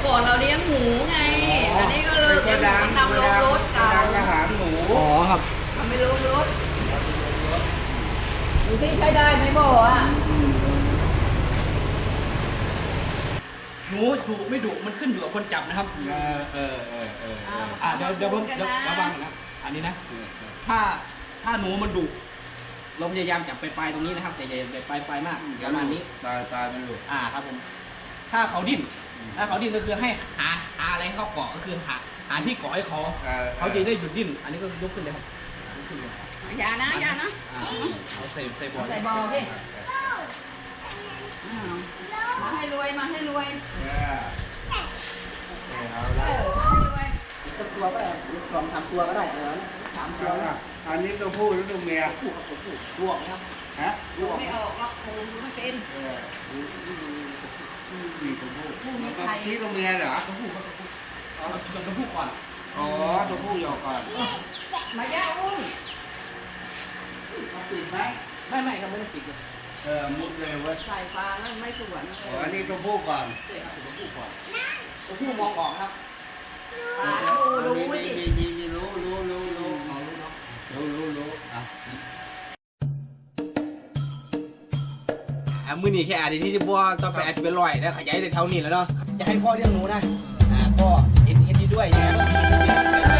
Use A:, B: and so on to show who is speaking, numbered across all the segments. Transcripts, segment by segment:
A: ก่อนเราเลี้ยงหมูไงอันนี้ก็เลิกเลี้ยงหมูทำโรงรถเก่า
B: อาหารหมู
C: อ๋อครับ
A: ทำเป็นโรงรถดูที่ใช้ได้ไหมบ่อ่ะ
C: หนูดุไม่ดุมันขึ้นอยู่กับคนจับนะครับเดี๋ยวผมระวังนะอันนี้นะถ้าหนูมันดุเราพยายามจับปลายตรงนี้นะครับแต่อย่าปลายมากประมาณนี้
B: ปลายมันหลุด
C: ครับผมถ้าเขาดิ้นก็คือให้หาอะไรเข้าเกาะก็คือหาที่เกาะให้เขาจะได้หยุดดิ้นอันนี้ก็ยกขึ้นเลยครับขึ้นเลย
A: อย่านะ
C: เอาใส่บอล
A: ดิมาให้รวยให้รวยอีกตัวก็ได้อีก2-3 ตัวก็ได้3 ตัว
B: อันนี้ตัวผู้หรือตัวเมีย
C: ผู้ครับตัวผู้ลวกนะครับ
B: ฮะ
A: ลวกไม่ออกก็คงไม่เป็น
B: มีตัวผู้ที่ตัวเมียเหรอ
C: ตัวผู้ครับตัวผู้ก่อน
B: อ๋อตัวผู้ยอก่อน
A: มาย่าอุ้ย
B: ติดไหม
C: ไม่ครับไม่ต้องติด
B: มุดเลยว่า
A: ใส่ปลาแล้วไม่สวน
B: อันนี้ตัวผู้ก่อน
C: ใช่ครับตัวผู้ก่อนตัวผู้มองออกครับ
A: ปลาดูไม่ติด
B: มีรู้
C: มือนี่แค่อาจจะที่บัวต่อไปอาจจะเป็นรอยแล้วขยายในแถวนี้แล้วเนาะจะให้พ่อเลี้ยงหนูนะพ่อเอ็นดีด้วยนะครับไป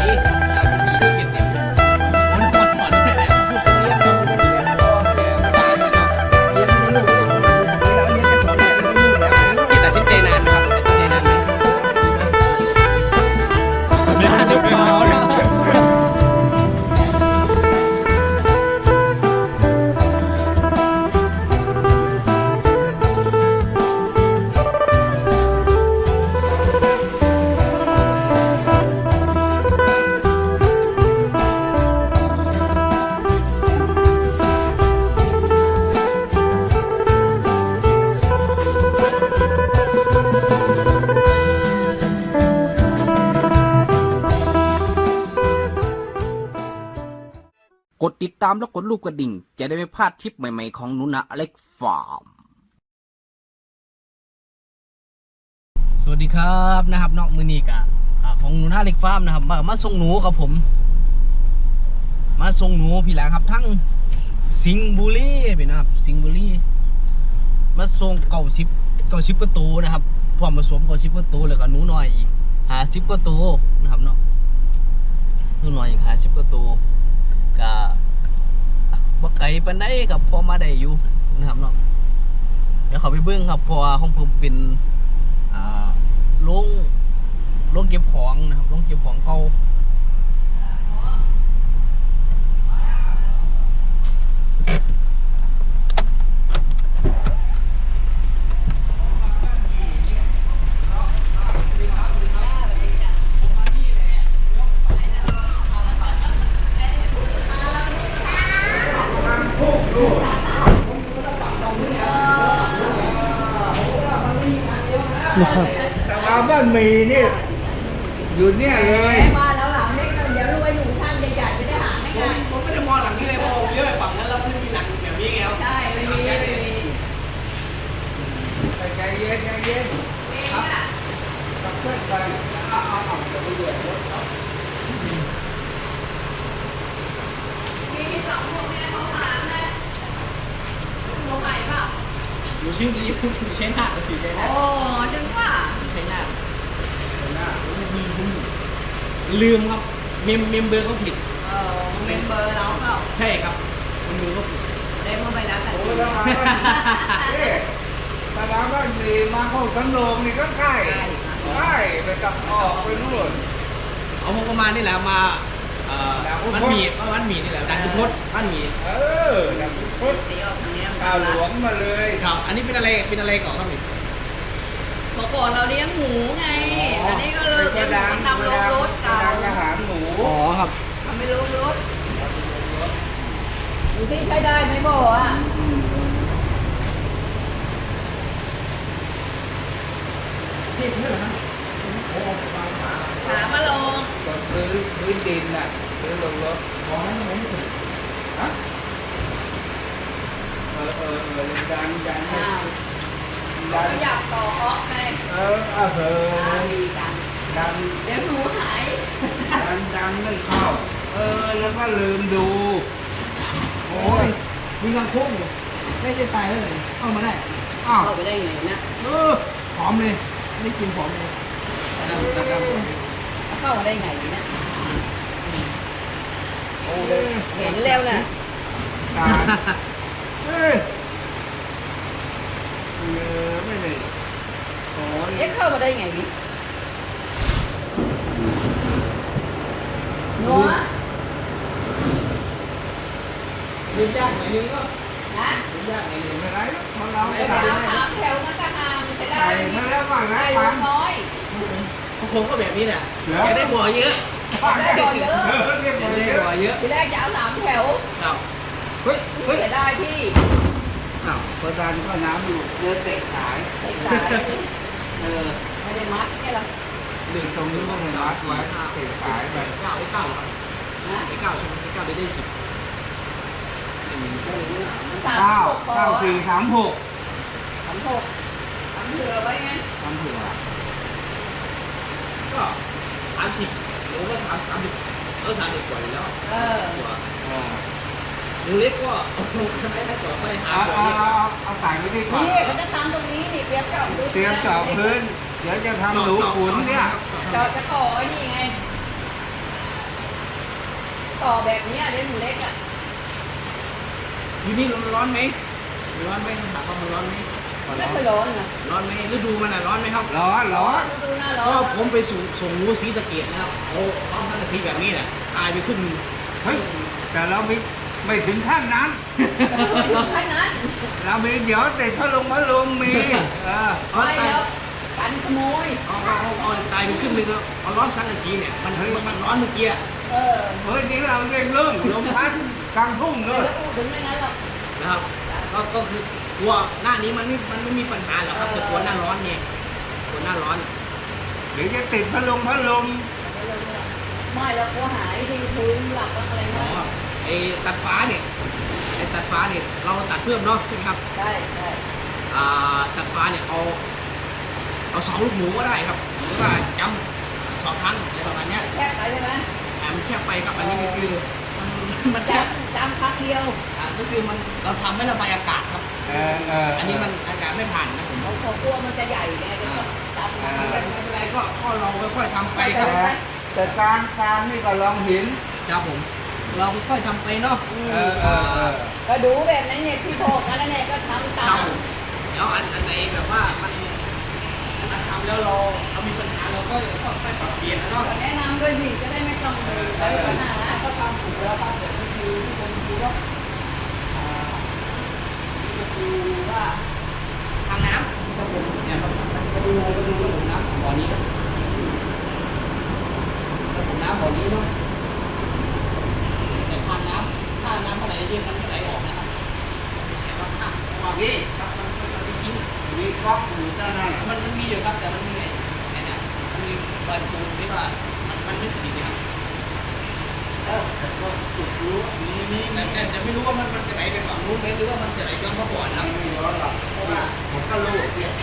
C: กดติดตามแล้วกดรูปกระดิ่งจะได้ไม่พลาดทริปใหม่ๆของหนูนะอเล็กฟาร์มสวัสดีครับนะครับนอกมือนีกะของหนูนะอเล็กฟาร์มนะครับมาส่งหนูครับผมมาส่งหนูพี่แหละครับทั้งสิงห์บุรีพี่นะครับสิงห์บุรีมาส่ง90ประตูนะครับพร้อมผสม90ประตูแล้วก็หนูน้อยอีก50ประตูนะครับเนาะหนูน้อยอีก50ประตูก็บ่ไกลปานใดครับพอมาได้อยู่นะครับเนาะเดี๋ยวเขาไปเบิ่งครับเพราะว่าของผมเป็นโรงเก็บของนะครับโรงเก็บของเก่า
B: แต่ว่าบ้านมีนี่อยู่เนี่ยเลย
A: มาแล้วหลังเล็กเดี๋ยวรวยหนูท่านใหญ่ๆจะได้หาไม่ง่าย
C: ผมไม่ได้มองหลังนี้เลยเพราะผมเยอะฝั่งนั้นเราไม่มีหลังแบบนี้ไงครับ
A: ใช่ไม่มี
B: ใจเย็นครับกับเพื่อนไปเอาจะไปเหยียบรถเขา
A: มี2 พวกเนี่ยเขาถามเลยตัวใหม่เปล่า
C: หนูชื่อนี้อยู่ใช้หน้าหรือใช้หน้า
A: โอ้จังว่า
C: ใช้หน้าลืมครับเมมเบอร์เขาผิด
A: เมมเบอร์เราเปล่า
C: ใช่ครับเมมเบอร์เขาผิด
A: เล่นเข้าไปแล้วกัน
B: ตาดาบ้านมีมาเข้าสันโลงนี่ก็ใกล้ไปกับออกไปนู่น
C: เอาประมาณนี่แหละมามันมีนี่แหละดันทุกทศมันมี
B: ดันทุกทศข้าวหลวงมาเลย
C: ครับอันนี้เป็นอะไรก่อนครับนี่
A: ก่อนเราเลี้ยงหมูไงอันนี้ก็เลิกเลี้ยงหมูทำโรงรถเก่า
B: อาหารหมู
C: อ๋อครับ
A: ทำเป็นโรงรถดูที่ใช้ได้ไหมบ่อ่ะ
C: ที่เท่าไหร่นะ
A: ถามมาลง
B: พื้นดินน่ะพื้นลงรถ
C: ของนั้นไม่สุดฮะ
B: ดังดัน
A: อยากต่อออกไง
B: เออ
A: ดีกัน
B: ดัน
A: เดี๋ยวหนูหาย
B: ดันไม่เข้าแล้วก็ลืมดูโอ้ย
C: มีกางโค้งอยู่ไม่ได้ตายแล้วเลยเข้ามาได้
B: อ้าว
A: เข้าไปได้ไงนะ
C: หอมเลยไม่กินหอมเลย
A: เข้ามาได้ไงเนี่ยโอ้เห็นแล้วนะ
B: ตายเฮ้ยไม่ได้โอ้ย
A: เอ๊ะเข้ามาได้ไงวินัว
C: ยืนยากไหนนึงก็
A: นะ
C: ยืนยากไหนนึง
B: ไม่ไรเพราะเรา
A: เดี๋ยว
B: ใส่
A: เอาสามแถวมันก็หามจะได้
B: ใส่มาแล้วก่อนนะ
A: ได้
B: ปัง
A: น้อย
C: ผมก็แบบนี้แหละอยากได้บัวเยอะ
A: ได้บ่อเยอะ
B: เรียบ
C: อ
B: ร้
C: ยา
B: อก ย
C: ได้บัวเยอะ
A: ทีแรกจะเอาสามแถว
C: ครับ
B: เฮ้ยเฮ้ย
A: จะได้พี่
B: อ้าวประธานก็น้ำอยู่เดินเตะขาย
A: ใส่สาย
C: ไม่ได้มัด
A: ไม่ได้มัดเนี่ยหรอ
B: ดึงตรงนี้ก็ไม่รัดไว้เตะขายไป
C: เก้าได้เก้าครับ
A: นะ
C: ได้เก้าได้เก้าได้10
A: สาม
B: เก้า
A: หกพอ
B: เก้าสี่สามหก
A: สามหกสามเถื่อไว้ไง
B: ทำเผื่อ
C: ก็30หรือว่า3030กว่าอยู่แล้ว
A: เออ
C: กว่า
B: เออ
C: หนูเล็กก็ไม่ได้กว่าไปหา
B: เอา
C: บัว
B: เอา
C: เยอะ
B: เอาใส่ไว้ดีกว่า
A: นี่เขาจะทำตรงนี้นี่เตรียมเจาะพื้น
B: เตรียมเจาะพื้น เดี๋ยวจะทำหนูขุนเนี่ย
A: เจาะจะต่อไอ้นี่ไง ต่อแบบนี้เลี้ยงหมูเล็กอ่ะ
C: อยู่นี่ร้อนไหมร้อนไหมถามว่ามันร้อนไหม
A: ไม่เคยร้อนนะ
C: ร้อนไหมฤดูมันร้อนไหมครับ
B: ร้อนร้อน
A: ดูหน้าร้อ
C: ก็
A: น
C: ผมไปส่งงูสีสะเกดนะครับโอ้ร้อนทั้งสีแบบนี้แหละตายไปขึ้น
B: เฮ้ยแต่เราไม่ถึงขั้นนั้น
A: แค่นั้น
B: เรามีเดี๋ยวติดพัดลมมี
A: ไม่แล้วกันขโมย
C: เอาตายไปขึ้นนึงแล้วเอาร้อนสังกะสีเนี่ยมันร้อนเมื่อกี้
A: เออ
B: เฮ้ยนี่เราเร่งเรื่องลมพัดกลางทุ่งเล
A: เดี๋ย
B: ยว
A: พูดถึงไม่นั้นหรอก
C: นะครับก็คือกลัวหน้านี้มันไม่มีปัญหาหรอกครับแต่กลัวหน้าร้อนไงกลัวหน้าร้อน
B: เดี๋ยวจะติดพัดลม
A: ไม่แล้วก็หายที่พื้นหลับอะไร
C: อ๋อ
A: นะ
C: ไอ้ตัดฟ้าเนี่ยเราตัดเพิ่มเนาะใช่ไหมครับ
A: ใช่ใช่
C: ตัดฟ้าเนี่ยเอา2 ลูกหมูก็ได้ครับหรือว่าจำ2 ครั้งอะไรประมาณเนี้ย
A: แค่ไปใช่ไหม
C: มันแค่ไปกับอันนี้คือมันแค่
A: จำครั้งเดียว
C: ก็คือมันเราทำไม่ระบายอากาศครับ อันนี้มันอากาศไม่ผ่านนะผม
A: เขากลัวมันจะใหญ่ไงจะจำ
C: ไม่เป็นไรก็เราค่อยๆทำไปครับ
B: แต่การนี่ก็ลองหิน
C: ครับผม เราค่อยๆทำไปเนาะ
A: ก็ดูแบบนั้นเนี่ยที่โทษกันแล้วเนี่ยก็ทำตา
C: ครับ
A: ม
C: ผมแล้วอันไหนแบบว่ามันทำแล้วเรามีปัญหาเราก็ค่อยๆปรับเปลี่ยนนะเนาะ
A: แนะนำด้วยสิจะได้ไม่ต้องไปปัญหาก็ทำถูกแล้วทำแบบที่คือที่คนดูว่าที่ดูว่า
C: ทางน้ำครับผมเนี่ยครับมาดูระบบน้ำของบ่อนี้ครับระบบน้ำบ่อนี้เนาะแต่ทางน้ำเท่าไหร่เรียกมันเท่าไหร่ออกนะครับแต่ว่าถ้าออกนี่ครับมันจริง
B: มีก๊อกอยู่ด้านหน้า
C: มันมีอยู่ครับแต่มันมีไอ้เนี่ยมันมีบอลปูนที่ว่ามันไม่สนิทนะครับ
B: แต่ก็จุดรู้มี
C: แต่จะไม่รู้ว่ามันจะไหลไปฝั่งนู้นไหมหรือว่ามันจะไหลย้อนมาก่อนครับ
B: ไม่ร้อนหรอกเพราะว่าผมก็รู้เนี่ย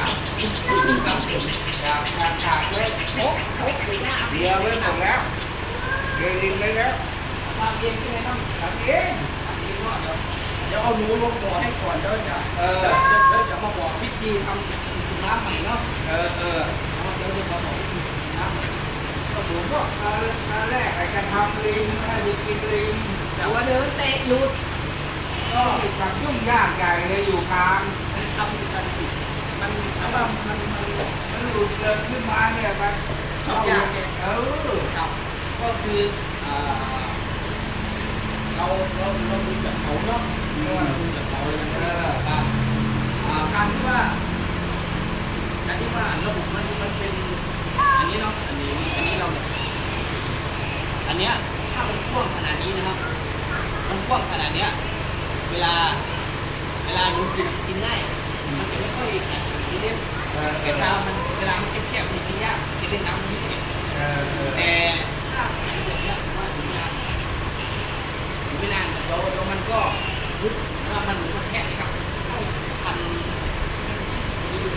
B: จากเลย
A: โอ๊ะโอ๊ะสีหน้า
B: เดียวไว้หมดแล้วเกลินไว้แล้ว
A: ทำเองใช่ไหมต้อง
B: ทำเอง
C: เดี๋ยวเอาหนูลงบ่อให้ก่อนเดี๋ยวจะมาบอกวิธีทำน้ำใหม่เนาะ
B: เออ
C: เดี๋ยวจะมาบอกวิธีน้ำใหม่
B: ก็ผมก็มาแรกไอ้จะทำลิงให้ดูกินลิง
A: แต่ว่าเดินเตะหลุด
B: ก็ความยุ่งยากใหญ่เลยอยู่กลาง
C: ทำกันมันถ้าว่ามัน
B: มันหลุดเดินขึ้นมาเนี่ยมัน
C: ชอบยากเนี่ย ครับก็คือเราดูจากเขาเนาะดูจากเขาเลยนะครับการที่ว่าระบบมันเป็นอันนี้เนาะอันนี้เราเนี่ยอันเนี้ยถ้ามันกว้างขนาดนี้นะครับมันกว้างขนาดเนี้ยเวลาหนูกินง่ายมันจะไม่ค่อยแข็งทีเดียวแต่ถ้ามันเวลามันแคบๆมันกินยากจะได้น้ำนิดเดียวแต่ถ้าแข็งแบบนี้ผมว่าถึงไม่นานแต่เรามันก็รุดแล้วมันแค่นี้ครับพันดู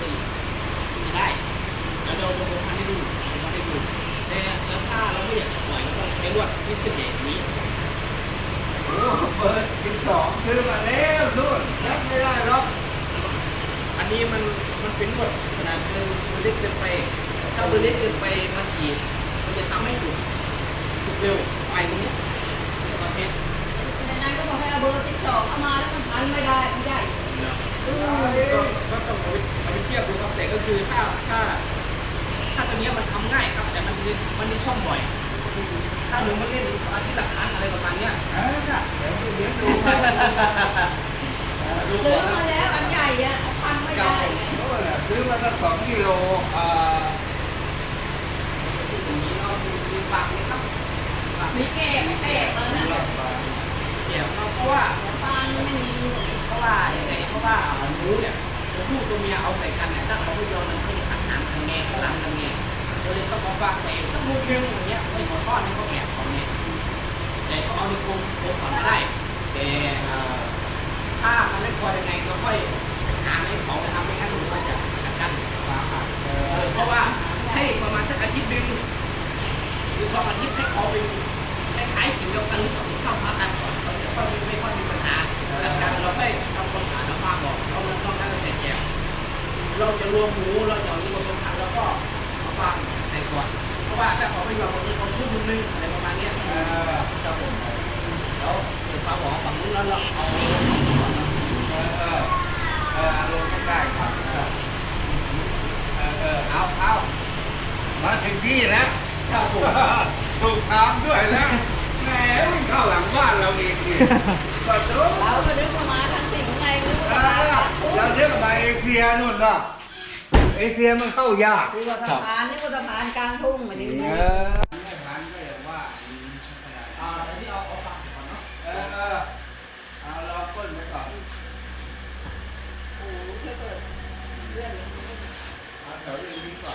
C: รวดพิเศษนี้
B: โอ้เปิด12ซื้อมาแล้วนู่นรับไม่ได้หรอก
C: อันนี้มันเป็นรวดขนาดนึงมันเล็กเกินไปถ้ามันเล็กเกินไปมันขีดมันจะทำให้ถูกเร็วไปตรงนี้ประเภท
A: ในนั้นก็บอกให้เอาเบอร์12เอามาแล้วมันพันไม่ได้มันใหญ่
C: ก็ต้องเอาไปเทียบดูครับแต่ก็คือถ้าตัวนี้มันทำง่ายครับแต่มันมีช่องบ่อยถ้าหนูมาเล่นอาทิตย์ละครั้งอะไรประมาณเนี้ย
B: เดี๋ยวเดี๋ยวดูไปดู
A: ซื้อ
B: ก่อน
A: มา
B: นะ
A: แล้วอันใหญ่อะเอาพันไม่ได้ไง
B: โน่นน่ะซื้อมาตั้ง2 กิโล
C: ตรงนี้เรามีฝากไหมครับ
A: มีแก่ไม่แก่แล้วนะ
C: เกี่ยวกับเพราะว่า
A: ปานไม่มี
C: เพราะว่าอย่างไรเพราะว่าหนูเนี่ยตัวผู้ตัวเมียเอาใส่กันเนี่ยถ้าเขาไม่ยอมมันก็จะขันหางกันแง่ข้างหลังกันแง่เราเลยต้องมาฝากใส่ต้องมุดเรื่องอย่างเงี้ยไม่ขอซ่อนให้เขาแอบของเนี่ยแต่เขาเอาในกรงก่อนได้แต่ถ้ามันไม่พอยังไงเราค่อยหาให้เขาทำไม่งั้นหนูก็จะกัดกันเพราะว่าให้ประมาณสักอาทิตย์นึงหรือ2 อาทิตย์ให้เขาเป็นคล้ายๆกินเดียวกันหรือเข้ามากันก่อนเขาจะไม่ค่อยมีปัญหาหลังจากเราไปทำความสะอาดน้ำมันบอกเราต้องการเสร็จแก่เราจะรวมหมูเราจะเอานี้มาผสมแล้วก็มาฟังใส่ก่อนเพราะว่าถ้าเขาไม่ยอมตรงนี้เขาชุบนึงอะไรประมาณนี้จะผมแล้วเกิดปลาบอกฝั่งนู้นแล้วเราเอา
B: ลงไม่ได้ครับเอามาถึงที่แล้ว
C: ครับผม
B: ถูกถามด้วยแล้วแหมมันเข้าหลังบ้านเราอีกนี่ก็ถูก
A: เราก็นึกว่ามาทางสิ่งไงนึกว่ามาทางทุ่ง
B: เราเรียกมาเอเชียนู่นเนาะเอเชียมันเข้ายาก
A: นึกว่าสะพานนึกว่าสะพานกลางทุ่งเหมือนนี้
B: ไม่ผ่านก็อย่างว่า
C: อันนี้เอาฟังก่อนเนาะ
B: เอาเราก้นไปก่อน
A: โอ้โหเพื่อเปิดเลื่อน
B: เอาแถวนี้ก่อน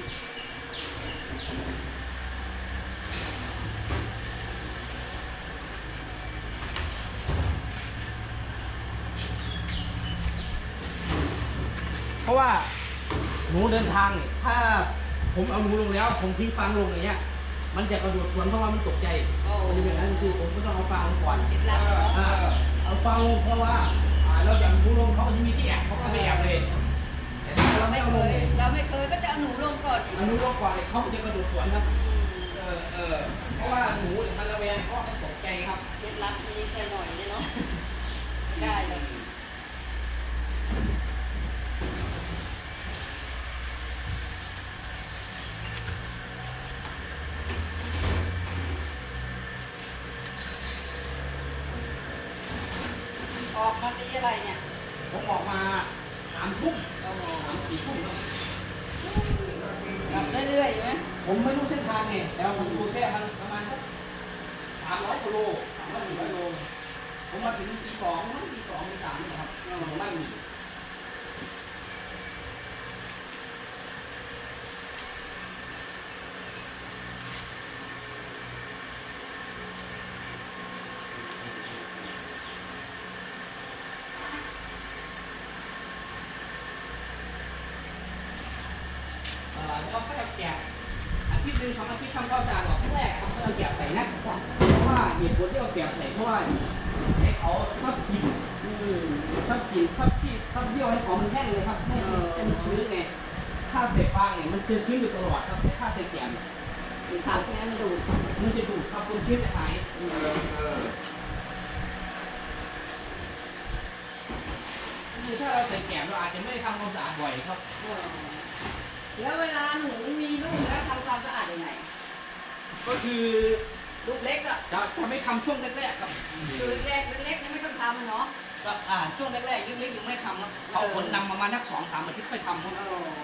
C: เพราะว่าหนูเดินทางเนี่ยถ้าผมเอาหนูลงแล้ว ผมทิ้งฟางลงอย่างเงี้ยมันจะกระโดดสวนเพราะว่ามันตกใจมันจะเป็นอย่างนั้นคือผมก็ต้องเอาฟางลงก่อน
A: คิดลับ
C: เอาฟางลงเพราะว่าเราอย่างหนูลงเขาก็จะมีที่แอบเขาก็ไม่แอบเลยแต่ถ้าเราไม่
A: ไม่
C: เอา
A: เค
C: ลง
A: ย
C: เนี่ย
A: เราไม่เคยก็จะเอาหนูลงก่อนอีก
C: เอาหนูลงก่อนเนี่ยเขาก็จะกระโดดสวนครับเพราะว่าหนูเนี่ยมันระแวงเพราะมันตกใจครับ
A: คิดลับนี้ใจหน่อยเนี่ยเนาะได้เลย ออกมาตีอะไรเนี่ย
C: ผมออกมา3 ทุ่ม3-4 ทุ่มครับ
A: กลับเรื่อยๆอยู่ไหม
C: ผมไม่รู้เส้นทางไงแต่ผมดูแค่มันประมาณสัก300 กิโล300-400 โลผมมาถึงตี 2มั้งตี 2 ตี 3นะครับไม่มี เราก็จะแกะอาทิตย์ 1-2 อาทิตย์ทำความสะอาดออกครั้งแรกครับเราแกะใส่นะเพราะว่าเหตุผลที่เราแกะใส่เพราะว่าให้เขาชอบกินชอบกินชอบเยี่ยวให้ของมันแห้งเลยครับให้มันชื้นไงถ้าใส่ฟางเนี่ยมันชื้นอยู่ตลอดครับถ้าใส่แกะ
A: ขับเนี่ยมันดูด
C: มันจะดูดครับความชื้นจะหายคือถ้าเราใส่แกะเราอาจจะไม่ได้ทำความสะอาดบ่อยครับ
A: แล้วเวลาหนูมีลูกแล้วทำความสะอาดยังไง
C: ก็คือ
A: ลูกเล็กอ่ะ
C: จะไม่ทำช่วงแรกๆครับ
A: คือเล็กๆยังไม่ต้องทำอ่ะเนาะ
C: ช่วงแรกๆยิ่งเล็กยังไม่ทำครับเอาผลนำประมาณนัก2-3 อาทิตย์ค่อยทำครับ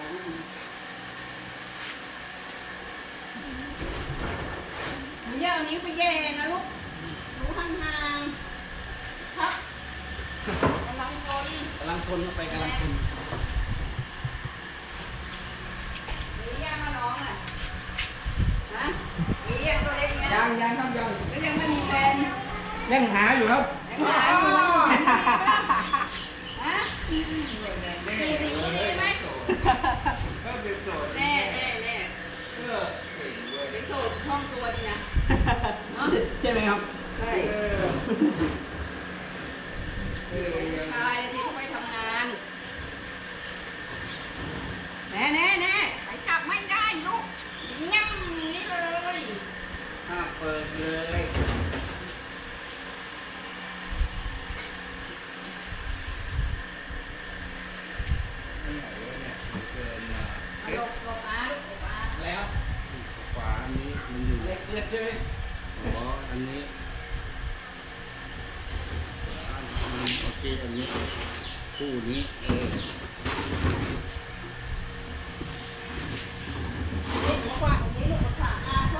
A: หนูอย่าเอานิ้วไปแย่นะลูกหนูห่างๆครับกำลังคน
C: กำลังทนเข้าไปกำลังทน
A: มีแย่มาน้องอ่ะฮะมีแย่ตัวเล็กเนี่ย
C: ยังครับยัง
A: ก็ยังไม่มีแฟน
C: ยังหาอยู่ครับ
A: ยังหาอยู่ว่าอยู่ที่ไหนบ้างฮะอยู่ที่นี่ไหม
B: ก็เป็นโสด
A: แน่
B: เออเก่งเว้ย
A: เป็นโสดช่องตัวดีนะ
B: เ
C: ครับ
A: ใช่ชายที่เขาไปทำงานแน่ไปจับไม่ได้ลูกงั้มนี่เลย
B: ห้ามเปิดเลยไม่ไหนวะเนี่ยเกินมา
A: หลบหลบอาลูกหลบอา
C: แล้ว
B: ขวาอันนี้มันอยู่
C: เล็กเลือดใช่ไหม
B: อ๋ออันนี้โอเคอันนี้คู่นี้
A: ลูกขวาตรงนี้ลูกขวาอาเขา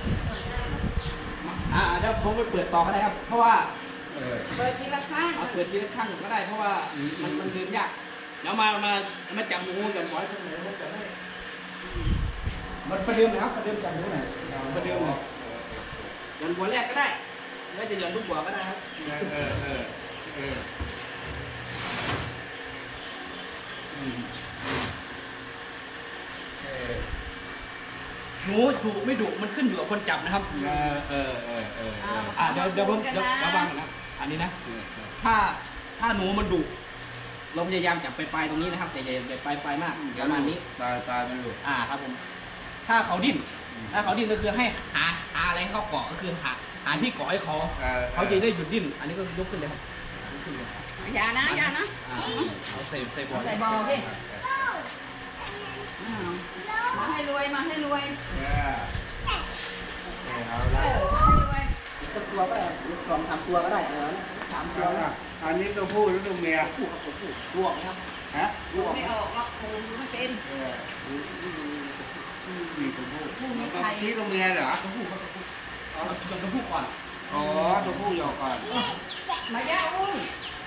C: เดี๋ยวผมไปเปิดต่อก็ได้ครับ เพราะว่า
A: เปิดทีละข้าง
C: เอาเปิดทีละข้างก็ได้เพราะว่ามันเดินยากเดี๋ยวมาจับหมูกันไว้ตรงไหนผมจะให้มันประเดิมนะครับประเดิมจับหมูหน่อยประเดิมเลยหย่อนหัวแรกก็ได้แล้วจะหย่อนลูกหัวก็ได้ครับหนูดุไม่ดุมันขึ้นอยู่กับคนจับนะครับเดี๋ยวผมระวังนะอันนี้นะถ้าหนูมันดุเราพยายามจับปลายตรงนี้นะครับอย่าปลายมากประมาณนี้
B: ตายมันหลุด
C: ครับผมถ้าเขาดิ้นก็คือให้หาอะไรให้เขาเกาะก็คือหาที่เกาะให้เขาจะได้หยุดดิ้นอันนี้ก็ยกขึ้นเลยครับยกขึ้นเลย
A: อย่านะ
C: เอาใส่บอล
A: ใส่บอลดิมาให้รวยมาให้รวย
B: เอา
A: เอ
B: ละ
A: อให้รวย
C: อีกสักตัวก็ได้อีก2-3ตัวก็ได้3 ตัวนะ
B: อันนี้ตัวผู้หรือตัวเมีย
C: คู่กับตัวผู้ลวกนะครับ
B: ฮะ
A: ดูไม่ออกหรอกคงไม่เป็น
B: มีตัวผู้
A: ผู้มีใคร
B: นี่ตัวเมียเหรอ
C: ตัวผู้ครับเอาตัวผู้ก่อน
B: อ๋อตัวผู้ยอก่อน
A: มาย่าอุ้ย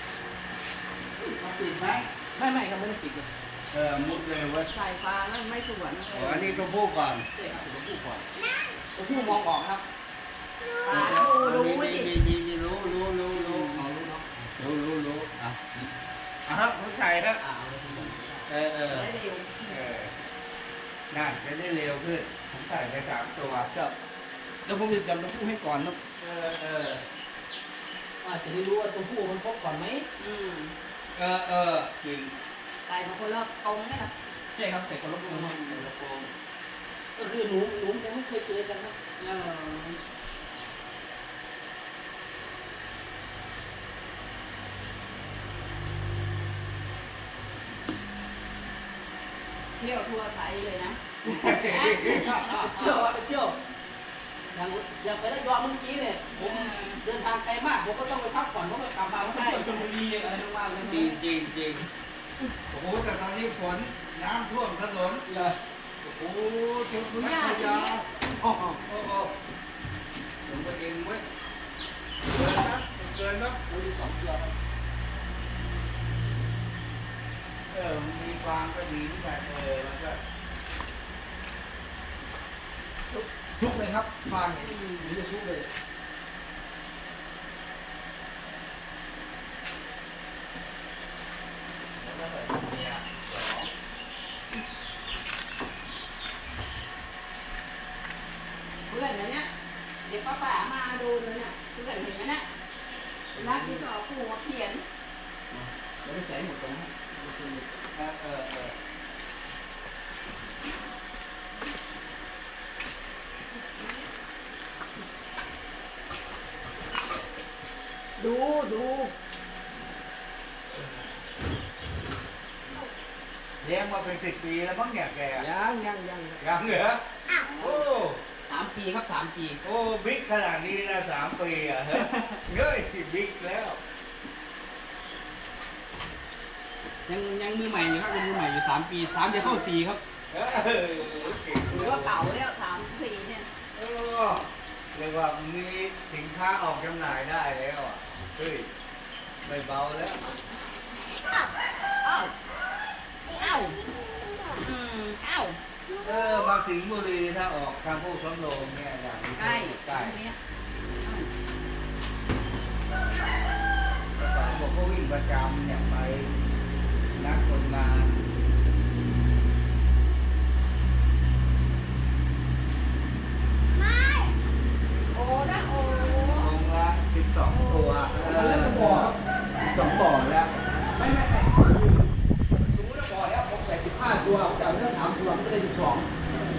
B: ติดไหม
C: ไม่ครับไม่ได้ปิดเลย
B: มุดเลยเว้ย
A: ใส่ฟ้าแล้วไม่สวน
B: อ๋ออันนี้ตัวผู้ก่อน
C: ใช่ครับตัวผู้ก่อนตัวผู้มองออกครับ
A: ตาดูดิ
B: มีรู้
C: เอารู้เนาะ
B: รู้อ่ะครับผมใส่ครับ
C: เอาเลยทีเดียว
A: ได้เร็ว
B: น่าจะได้เร็วขึ้นผมใส่ไป3 ตัว
C: ครับเดี๋ยวผมจะจำตัวผู้ให้ก่อนนะจะได้รู้ว่าตัวผู้มันครบก่อนไหม
B: จริง
A: ใส่มาคนละตรงนี่นะ
C: ใช่ครับใส่คนละตัวมาใส่กระโปรงก็คือหนูยังไม่เคยเจอกันนะ
A: เที่ยวทั่วไทยเลยนะ
C: เที่ยวอย่างไปได้ยอดเมื่อกี้เนี่ยผมเดินทางไกลมากผมก็ต้องไปพักผ่อนเพราะไปกลับมาเที่ยวชลบุรีอะไรมากๆเลย
B: จริงโอ้โหแต่ตอนนี้ฝนน้ำท่วมถนน
C: เลย
B: โอ้โหชุดนักขยะโอ้ผมก็เองเว้ยเกินนะ
C: มี2 ตัวครับ
B: มีความก็ดีแต่มันก็
C: ชุกเลยครับฟางเนี่ยนี่จะชุกเลย
B: แล้วก็ใส่เมีย
A: เพื่อนนะเนี่ยเด็กป้ามาดูเลยเนี่ยเพื่อนเห็นไหมเนี่ยรักที่เขาขู่มาเขียน
C: แล้วไม่ใส่หมดตรงนั้น
A: ดู
B: เลี้ยงมาเป็น10 ปีแล้วมั้งเนี่ยแก
C: ยัง
B: เหรอโอ้
C: 3 ปีครับ3 ปี
B: โอ้บิ๊กขนาดนี้นะ3 ปีอ่ะเฮ้ยบิ๊กแล้ว
C: ยังมือใหม่อยู่ครับยังมือใหม่อยู่3 ปี3จะเข้า4ครับ
B: เก่ง
A: หรือว่าเก่าแล้ว3-4เนี่ย
B: เรียกว่ามีสินค้าออกจำหน่ายได้แล้วอ่ะเฮ้ยไม่เบาแล้ว
A: เอ้า
B: มาสิงห์บุรีถ้าออกทางพวกสำโรงเนี่ยอย่างนี้
A: ใกล้
B: ใกล้
A: เนี้ย
B: แต่ก่อนบอกเขาวิ่งประจำเนี่ยไปนัดคนงาน
A: โอ้นะโอ้
B: โอ้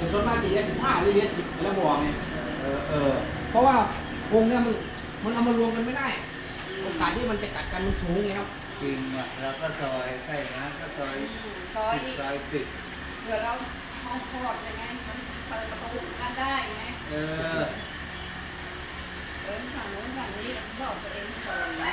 C: ส่วนมากจะเลี้ย15หรือเลี้ย10แล้วบอกไงเพราะว่ากรงเนี่ยมันเอามารวมกันไม่ได้โอกาสที่มันจะกัดกันมันสูงไงครับ
B: จริงอ่ะแล้วก็ซอยใช่นะก็ซอย
A: ซอย
B: ปิด
A: อีก
B: ซอยปิด
A: เผื่อเราห้องคลอดยังไงมันเปิดประตูกันได้ไง
B: เออ
A: เดินฝั่งโน้นฝั่งนี้บอกตัวเองก่อนนะ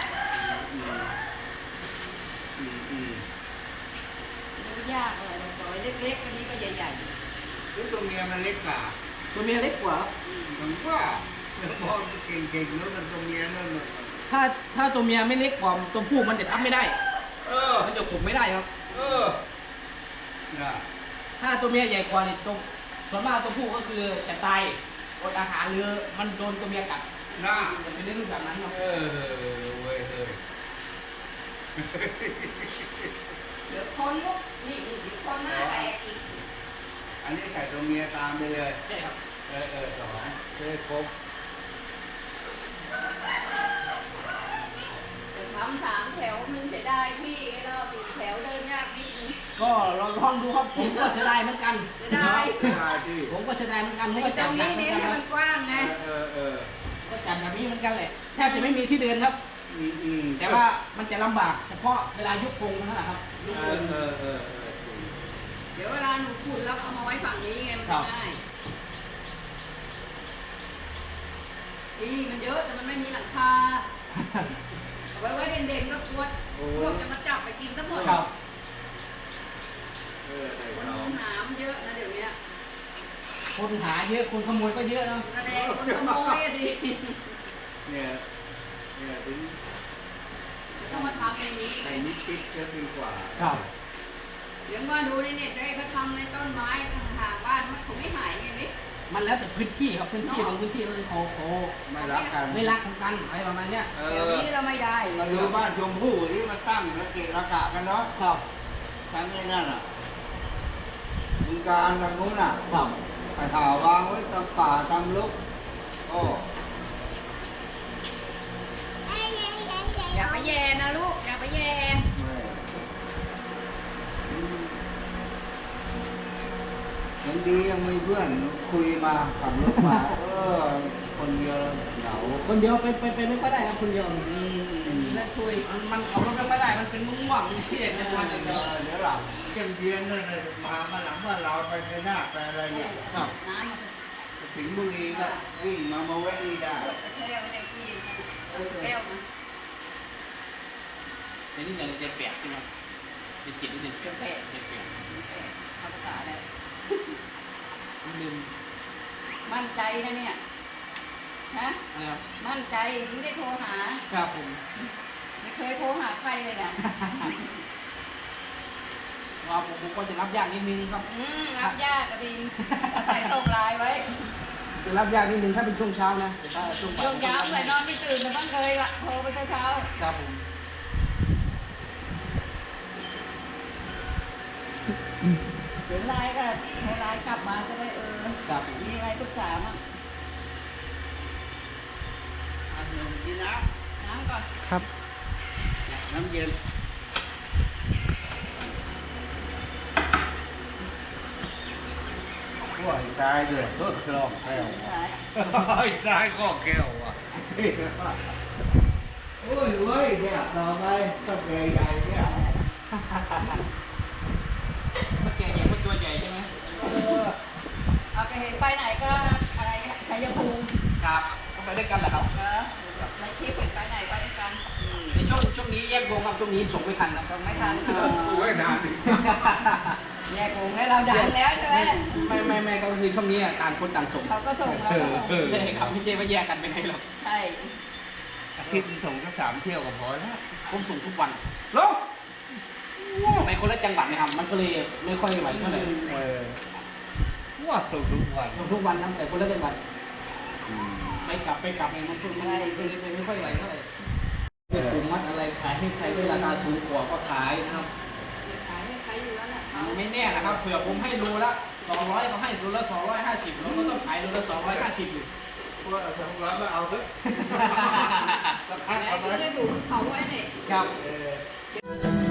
B: อืม
A: ไม่ยากอะไรเลยซอยเล็กๆอันนี้ก็ใหญ่
B: แล้วตัวเมียมันเล็กกว่า
C: ตัวเมียเล็กกว่าครับ
B: ผมว่าพอเก่งๆแล้วมันตัวเมียนั่นน่ะ
C: ถ้าตัวเมียไม่เล็กกว่าตัวผู้มันจะทับไม่ได้
B: อ
C: มันจะข่มไม่ได้ครับ
B: น่ะ
C: ถ้าตัวเมียใหญ่กว่าเนี่ยตัวส่วนมากตัวผู้ก็คือจะตายอดอาหารหรือมันโดนตัวเมียกัด
B: น่ะ
C: จะเป็นเรื่องแบบนั้นครับ
B: เว้ย
A: ๆเดี๋ยวคนลุกนี่เดี๋ยวคนหน้าแตกอีก
B: อันนี้ใส่ตัวเมียตามไปเลย
C: ใช่ครับ
B: สองเพื่อครบ
A: เดี๋ยวทำ3 แถวมันจะได้ที่เรา4 แถวเดินยากนิดนึง
C: ก็ลองดูครับผมก็เสียดายเหมือนกัน
A: จะได้
B: ได้ที่
C: ผมก็เสียดายเหมือนกันผม
A: ไอ้
C: ก็
A: ตร
C: จัด
A: ง
C: หนั
A: นี้
C: กเหมือน
A: เนี่ย
C: กัน
A: ให้
C: ครั
A: มั
C: บ
A: นกว้างไง
C: ก็จัดแบบนี้เหมือนกันแหละแทบจะไม่มีที่เดินครับ แต่ว่ามันจะลำบากเฉพาะเวลายกกรงเท่านั้นแหละครับยกกรง
A: เดี๋ยวเวลาหนูขุดแล้วเอามาไว้ฝั่งนี้ไงมันจะง่ายดีมันเยอะแต่มันไม่มีหลังคาเอาไว้เด่นๆก็กลัวพวกจะมาจับไปกินทั้งหมด
C: ครับ
A: คนหามเยอะนะเดี๋ยวนี้
C: คนหาเยอะคนขโมยก็เยอะนะ
A: แสดงคนขโมยอะดิ
B: เนี่ยถึง
A: จะต้องมาทำในนี้
B: ใส่นิดติดจะดีกว่า
C: ครับ
A: เดี๋ยวว่าดูในเน็ตได้เขาทำในต้นไม้ต่างๆบ้านมันเขาไม่หายไงนี่
C: มันแล้วแต่พื้นที่ครับพื้นที่บางพื้นที่เราเขา
B: ไม่รักกัน
C: ไม่รักกันอะไรประมาณเนี้ย
A: เดี๋ยวนี้เราไม่ได้
B: มาดูบ้านชมพู่ที่มาตั้งระเกะระกะกันเนาะ
C: ครับ
B: ชั้นนี้นั่นอ่ะมีการทางนู้นอ่ะ
C: ครับ
B: ไปหาวางไว้ตามป่าตามลุกโอ้
A: อย่าไปแย่นะลูกอย่าไปแย่
B: ไม่ยังดียังมีเพื่อนคุยมาขับรถมาคนเดียวเหงา
C: คนเดียวไปไม่ค่อยได้ครับคนเดียว
A: มีเพื่อนคุย
C: มันขับรถไม่ค่อยได้มันเป็นมุ่งหวังที่เด็ดในวันอย่างเดียว
B: เดี๋ยวหลังเยี่ยมเยียนนั่นเลยมาหลังว่าเราไปในหน้าไปอะไรเนี่ย
C: ครับ
A: น้ำมัน
B: สิงห์บุรีก็วิ่งมาแวะนี่ได้
A: แก้วไม่ได้กินแก้วนะ
C: ในนี้อย่างจะเปียกใช่ไหมจะจิตนี่จะเปียกจะเปียก
A: ทำภาษาอะไร
C: ลืม
A: มั่นใจนะเนี่ยฮะ
C: นะครับ
A: มั่นใจไม่ได้โทรหา
C: ครับผม
A: ไม่เคยโทรหาใครเลยนะ
C: ว่าผมก็จะรับยากนิดนึงครับ
A: รับยากกระดินอาศัยส่งไลน์ไว้
C: จะรับยากนิดนึงถ้าเป็นช่วงเช้านะแต่ถ้าช่วงบ่าย
A: ช่วงเช้าใส่นอนไม่ตื่นมันต้องเคยละโทรไปเช้า
C: ครับผม
A: เดี๋ยวไลน์ก็โทรไลน์กลับมาจะได้
C: ครับ
A: มีอะไรปรึกษามั่ง
B: อันนึงกินน้
A: น้ำก่อน
C: ครับ
B: ำน้ำเย็นขั้วอีกตายเลยเพื่อคลองแก้ว
A: สาย
B: อีกตายก็แก้วอ่ะโอ้ยเว้ยเนี่ยต่อไปต้องแก่ใหญ่เนี่ย
C: เมื่อกี้ใหญ่มันตัวใหญ่ใช่ไหม
A: เอาไปเห็นไปไหนก็อะไรชัยภูมิ
C: ครับก็ไปด้วยกันแหละครับ
A: ในคลิปเห็นไปไหนไปด้วยกัน
C: ในช่วงนี้แยกวงครับช่วงนี้ส่งไม่ทันนะ
A: ต้องไม่ทัน
B: โอ้ยนานดิ
A: แยกวงให้เราดังแล้วใช่ไหม
C: ไม่ก็คือช่วงนี้ต่างคนต่างส่ง
A: เขาก็ส่งเราก็ส่ง
C: ใช่ครับไม่ใช่ว่าแยกกันไปไหนหรอก
A: ใช่
B: อาทิตย์ส่งแค่3 เที่ยวก็พอแล้ว
C: ผมส่งทุกวัน
B: ลง
C: ไปคนละจังหวัดนะครับ มันก็เลยไม่ค่อยไหวเท่าไหร่
B: ว่าส่งทุกวัน
C: ส่งทุกวันนะแต่คนละจังหวัดไปกลับเนี่ยมันไม่ค่อยไหวเท่าไหร่เป็นกลุ่มมัดอะไรขายให้ใครได้ราคาสูงกว่าก็ขายนะครับ
A: ขายให้ใครอยู่แล้วแหละเขา
C: ไม่แน่นะครับเผื่อผมให้โลละ200เขาให้โลละ250เราก็ต้องขายโลละ250อยู่
B: ว่า200มาเอาเถอะสักพัก
A: แล้
B: เอา
A: ว
B: ไหม
A: ก็จะถูกเขาไว้เนี่ย
C: ครับ
B: เออ